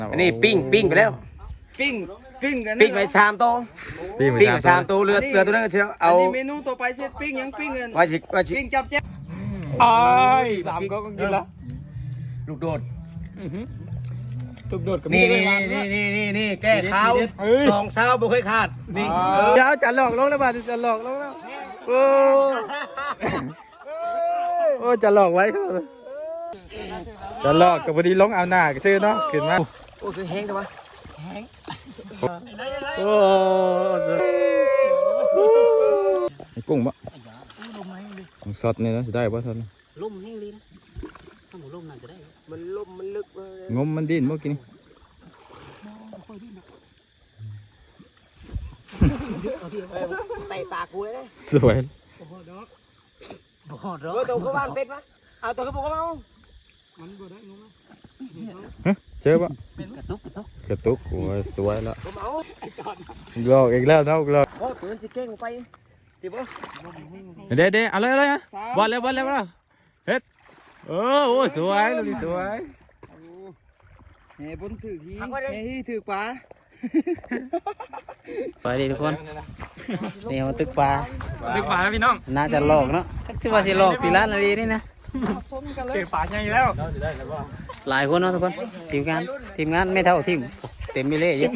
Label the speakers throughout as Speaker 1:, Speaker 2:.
Speaker 1: อันนี้ปิ้งไปแล้ว
Speaker 2: ปิ้งกัน
Speaker 1: ปิ้งไปชามโตปิ้งไปชามโตเรือตัวนั้นก็เชียวเอา
Speaker 2: เมนูต่อไปเสร็จปิ้งยังปิ้งกัน
Speaker 1: ว่าชิ
Speaker 2: ปิ้งจับแจ๊บ
Speaker 3: สามก็กินแล้ว
Speaker 1: ลูกโดด
Speaker 3: ลูกโดดกับ
Speaker 1: นี่แก้ข้าวสองเช้าบุเคยขาดนี่
Speaker 2: เดี๋ยวจะหลอกลงแล้วบ้านจะหลอกลงแล้วโอ้จะหลอกไว้จะหลอกกับพอดีลงเอาหน้าก็ซื้อเนาะขึ้นมา
Speaker 1: โอ้คือแห้งจังวะ
Speaker 2: โอ้
Speaker 3: กุ้งปะสดนี่นะจะได้ปะท่าน
Speaker 1: ล่มแห้งลิ้นถ้าหมูล่มน่าจะได้มันล่มมันลึก
Speaker 3: งมมันดิ้นเมื่อกี้นี่
Speaker 1: ไต่ปากกูเลย
Speaker 3: สวย
Speaker 1: ตัวเขาบ้านเป็ดปะเอาตัวเขาบอกเขาเอา
Speaker 3: เจอปะ
Speaker 1: กระ
Speaker 3: ตุกโอ้ยสวยละ
Speaker 2: หลอกอีกแล้วนะหลอก
Speaker 1: โอ้ปืนจะเก่งไปดิบ
Speaker 3: เด้เอาเลยบอลแล้วเฮ็ดโอ้สวยลูกนี่สวย
Speaker 2: เฮ้บนถือฮีเฮ้ถือปลา
Speaker 1: ไปดิทุกคนนี่มันตึกปลา
Speaker 3: แล้วพี่น้อง
Speaker 1: น่าจะหลอกเนาะที่ว่าสิหลอกตีร้านอะไรนี่นะ
Speaker 3: เก็บปลาใหญ่แล้ว
Speaker 1: หลายคนเนาะทุกคนทีมงานไม่เท่าทีมเต็มไปเลยเยอะ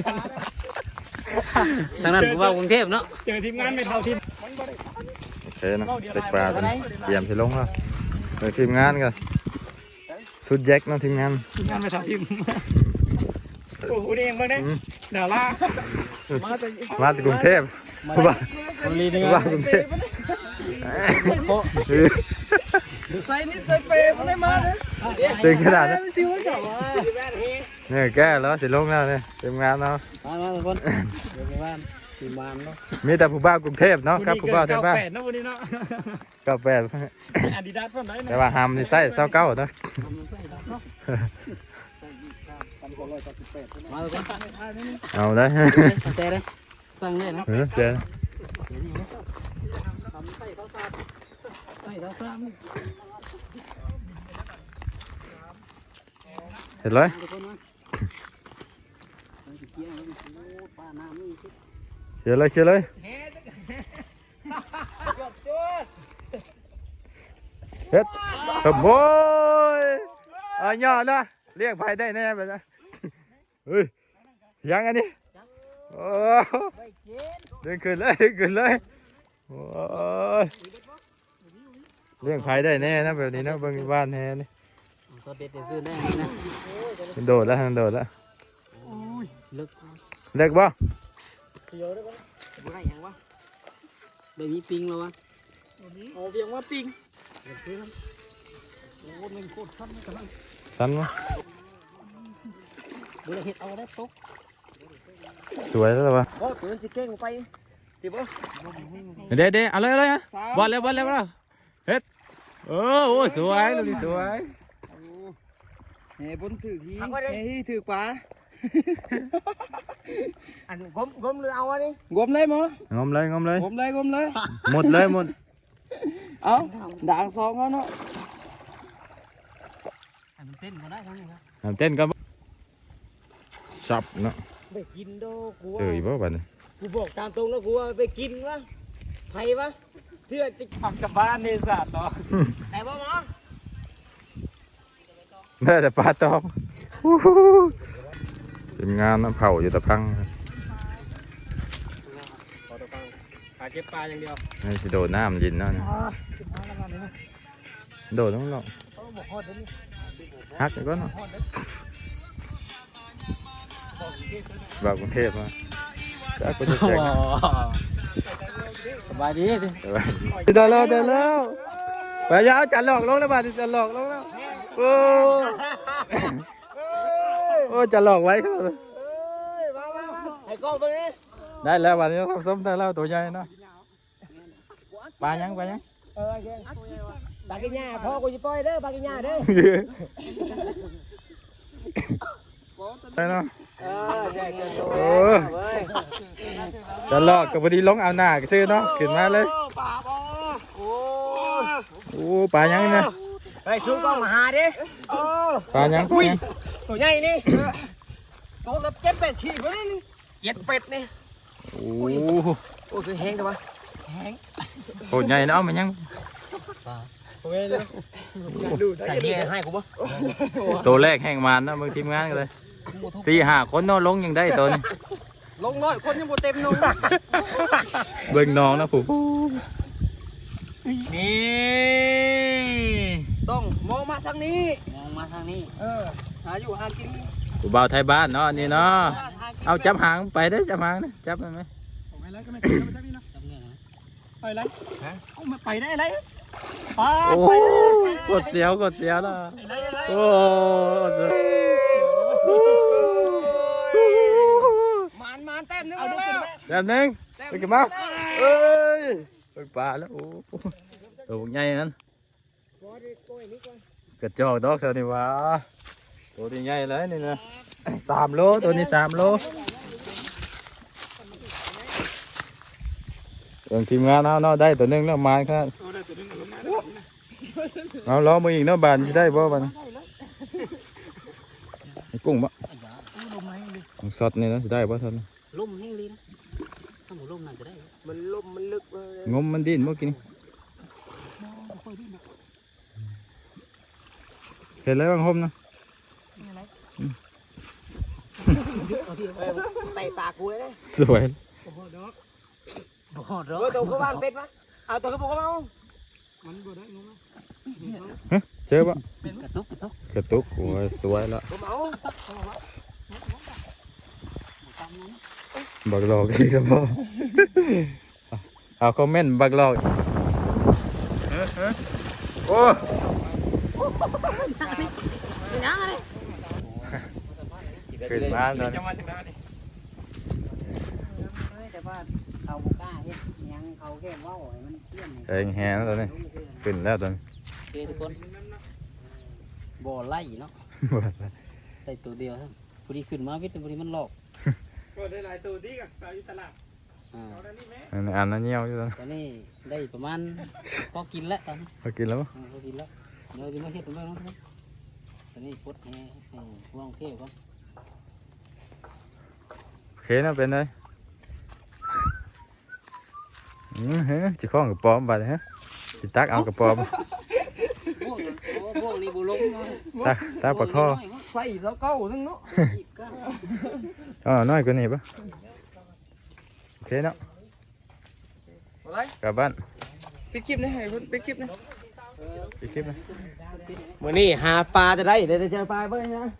Speaker 1: ทางนั้นผมว่ากรุงเทพเนาะ
Speaker 3: เจอทีมงานไม่เท่าทีมโอเคนะตึกปลาเตรียมจะลงแล้วทีมงานกันสุดแจ็คนะทีมงานไม่เท่าทีมโอ้โหนี่เองบ้างเนี่ยดารามาจากกรุงเทพบ้ากรุงเทพ
Speaker 2: ใส่นี่ใส่เปย์มันได้มาเลย
Speaker 3: ตึงขนาดนั้น
Speaker 2: เนี่ย
Speaker 3: แก้แล้วสิลงแล้วเนี่ยทีมงานเนาะ
Speaker 1: มาทุกคนเดี๋ยวไปบ้านทีมงานเนาะ
Speaker 3: มีแต่ผู้บ้ากรุงเทพเนาะครับผู้บ้าแถวบ้าน98
Speaker 1: อาดิดาสคนไหน
Speaker 3: แต่ว่าหามนี่ใส่29เนาะเอาได้
Speaker 1: เจ๊เลยสั่งเลยนะ
Speaker 3: เจ๊เห็นเลยเชื่อเลยเฮ็ดสมบูรณ์ย่อนะเรียกไผ่ได้แน่แบบนั้นเฮ้ยยังอันนี้โอ้ดึงขึ้นเลยโอ้เรียกไผ่ได้แน่นะแบบนี้นะบางบ้านแน่นี่โดดแล้วเล็กบ่
Speaker 1: ได้มีปิงแล้ววะ
Speaker 2: โอ้เพียงว่าปิง
Speaker 3: สั้นมั้ย
Speaker 1: ดูเห็ดเอาได้ตุ๊ก
Speaker 3: สวยแล้ววะ
Speaker 1: โอ้ปืนจะเก่งไปดิบ
Speaker 3: เด้เอาเลยบอลแล้วเฮ็ดโอ้สวยลูกนี่สวย
Speaker 2: เฮ้บนถือฮีเฮ้ถือปลา
Speaker 1: อันกลมหรือเอาอันนี้
Speaker 2: กลมเลยมั้ง
Speaker 3: งมเลย
Speaker 2: หมดเลยเอาด่างซองเขาเนาะ
Speaker 1: เต้นก็ได้ทั้งนี้
Speaker 3: ครับเต้นก็สับเนาะ
Speaker 1: ไปกินโดกู
Speaker 3: บ่บัดนี้
Speaker 1: กูบอกตามตรงแล้วกูว่าไปกินวะไผ่ปะเพื่อจะ
Speaker 3: ผักกับบ้านนี่สัตว์เนาะ
Speaker 1: แต่บ่หมอ
Speaker 3: ได้แต่ปลาตองทีมงานน้ำเผาอยู่ตะพัง
Speaker 1: เก็บปลาอย่างเดียว
Speaker 3: นี่สิโดดน้ำยินเนาะโดดต้องลองฮักก็เนาะบ่าวกรุงเทพมาก็จะแจก
Speaker 1: สบายดีดิ
Speaker 2: เดี๋ยวแล้วไปยาวจะหลอกลงแล้วบ้านจะหลอกลงแล้วโอ้จะหลอกไว้
Speaker 1: ไอ้กล้องตัวนี้
Speaker 3: ได้แล้ววันนี้ทำส้มได้แล้วตัวใหญ่เนาะปลายัง
Speaker 1: ปลากินหญ้าพ่อกูจะปล่อยเด้อปลากินหญ้าเด้อ
Speaker 3: ได้เนาะจะหลอกกับพอดีลงเอาหน้าก็ซื้อเนาะขึ้นมาเลยโอ้ปลายังเนี่ย
Speaker 1: ไปสู้กล้องมาหาดิ
Speaker 3: ปลายัง
Speaker 1: ตัวใหญ่นี่
Speaker 2: เป็ดขี้ไปนี่เย็ดเป็ดนี่
Speaker 3: โอ้
Speaker 2: โอ้ยแห้งทำไมแห้ง
Speaker 3: โหใหญ่เนาะมันยัง
Speaker 2: โอเคเลยดูได้ยังให้กูปะ
Speaker 3: ตัวแรกแห่งมันนะมึงทีมงานกันเลย4-5 คนเนาะลงยังได้ตัวนี้
Speaker 2: ลงน้อยคนยังบ่เต็มนง
Speaker 3: เบิ่งน้องนะผู้
Speaker 2: นี่ต้องมองมาทางนี้
Speaker 1: มองมาทางนี้
Speaker 2: หาอยู่หากิน
Speaker 3: ผู้บ่าวไทยบ้านเนาะอันนี่เนาะเอาจับหางไปได้จับหางนะจับได้ไหม
Speaker 2: ไปเลยก็ไม่ถึงไปทางนี้นะ
Speaker 1: จำเนี่ยนะ
Speaker 2: ไปเลยเอามาไปได้เลย
Speaker 3: โอ้กดเสียวแล้วโอ้
Speaker 2: มันเต็มนึงแล้ว
Speaker 3: แบบนึงไปกันมาเอ้ยไปป่าแล้วโอ้ตัวใหญ่นั้นกระจอกดอกเท่านี้วะตัวนี้ใหญ่เลยนี่นะ3 โลตัวนี้3 โลเรื่องทีมงานเอาเนาะได้ตัวหนึงแล้วมาครับเอาล้อมืออีกเนาะบานจะได้บ่บานกุ้งบ่ของสดนี่นะจะได้บ่ท่าน
Speaker 1: ล่มแห้งลีนะถ้าหมูล่มน่าจะได้
Speaker 2: มันลมมันลึกเลย
Speaker 3: งมมันดิ้นเมื่อกี้นี่เห็นแล้วบางหมนะ
Speaker 2: ไต่ปากกูเลย
Speaker 3: สวย
Speaker 1: บ่ฮอดหรอก
Speaker 2: ตัวเขาบ้านเป็ดปะเอาตัวเขาบอกว่าเอามันบ่ได้งง
Speaker 3: เจอปะ
Speaker 1: กระตุก
Speaker 3: กระตุกโอ้ยสวยแล้ว
Speaker 2: ผมเอา
Speaker 3: บักหลอกอีกแล้วพ่อเอาคอมเมนต์บักหลอกโอ้ขึ้นมาตอนนี้
Speaker 1: แต่ว่าเขาบ่กล้าเฮ็ดยังเขาแค่เว้าให้มันเตี้ยน
Speaker 3: เองแฮงตอนนี้ขึ้นแล้วตอนนี้
Speaker 1: โอเคทุกคนบ่ไล่เนาะได้ตัวเดียวครับพอดีขึ้นมาวิทย์พอดีมันหลอก
Speaker 2: ก็ได้หลายตัวดีกับอยู่ตลาด
Speaker 3: อันนั้นเงี้ยวอยู่ตอน
Speaker 1: ตอนนี้ได้ประมาณพอกินแล้วตอนนี้
Speaker 3: พอกินแล้วปะ
Speaker 1: พอกินแล้วเดี๋ยวจะมาเฮ็ดตรงนี้เนาะตอนนี้พดให้วางเทวก่อน
Speaker 3: โอเคนะเป็นไงเฮ้ยจะคล้องกับปอมไปเลยฮะจะตักเอากับปอม
Speaker 1: พวกนี้บุลง
Speaker 3: ตักปลาข้อ
Speaker 2: ใส่แล้วเก้านึงเนาะ
Speaker 3: อ๋อน้อยกว่านี้ปะโอเคเนาะ
Speaker 2: อะไร
Speaker 3: กลับบ้าน
Speaker 2: ปิดคลิปนี่ให้ปิดคลิปนี่
Speaker 3: ปิดคลิปนะ
Speaker 2: มื้อนี้หาปลาจะได้เดี๋ยวจะเจอปลาเบิ่งนะ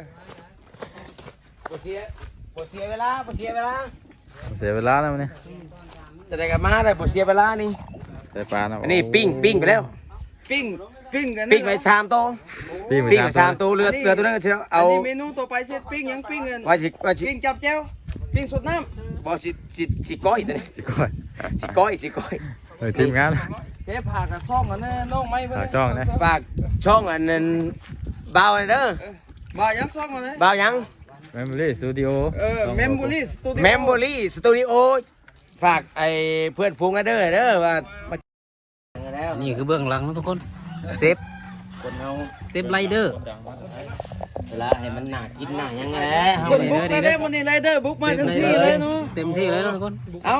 Speaker 2: บ่เสียเวลา
Speaker 3: เสียเวลาแล้วมันนี่
Speaker 2: จะได้กลับมาได้บ่เสียเวลานี่
Speaker 3: ได้ปลานะ
Speaker 2: อันนี้ปิ้งไปแล้วปิ้งกันปิ้งไป3โต
Speaker 3: ปิ้ง
Speaker 2: ปิ้ง
Speaker 3: ไป
Speaker 2: ไป3โตเรือตัวนั้นก็เชียวเอาเมนูต่อไปเสร็จปิ้งยังปิ้งเงินว่าสิปิ้งจับแจ้วปิ้งสดน้ำบ่สิก้อยตัวนี้
Speaker 3: สิก้อย
Speaker 2: สิก้อย
Speaker 3: ทีมงาน
Speaker 2: เฮ้ผากกับช่องอันนั้นน้องไม้
Speaker 3: ฝากช่องนะ
Speaker 2: ฝากช่องอันนั้นบ่าวอันเด้อบ่าวยังช่องอันนั้นบ่าวยัง
Speaker 3: เมมโมรี่สตูดิโอ
Speaker 2: เมมโมรี่สตูดิโอฝากไอ้เพื่อนฟูงกันเด้อว่า
Speaker 1: นี่คือเบื้องหลังนะทุกคน
Speaker 2: เซฟคนเฮา
Speaker 1: เซฟไรเดอร์เวลาให้มันหนักกินหนักยังไง
Speaker 2: คนบุกมาได้วันนี้ไรเดอร์บุกมาทันทีเลยเนาะ
Speaker 1: เต็มที่เลยนะทุกคน
Speaker 2: เอา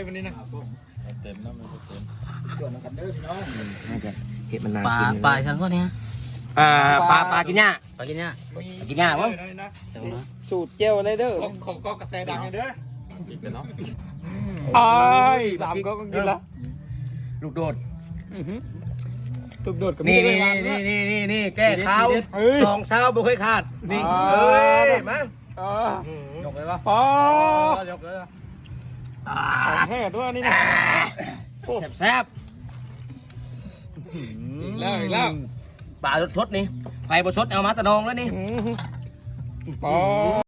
Speaker 1: ปลาสังก็เนี่ย
Speaker 2: ปลากินหญ้า
Speaker 1: ปลากินเนี่ย
Speaker 2: กินหญ้าบ่
Speaker 1: เดี๋ยวนะ
Speaker 2: สูตรเจลไรเดอร์
Speaker 4: ของก็กระแสดังเด้อ
Speaker 3: อ้าย
Speaker 4: สามก็กินละ
Speaker 2: ลูกโดด
Speaker 4: ตุกโดดกับ
Speaker 2: นี่แก้ข้าว2เช้าบ่เคยขาดนี่มาย
Speaker 4: กเลยปะอ๋อยกเลยแห่ตัวนี้นะ
Speaker 2: แซ่บ
Speaker 4: อีกแล้ว
Speaker 2: ปลาสดๆนี่ไฟบ่สดเอามาตะนองแล้วนี่
Speaker 4: ปอ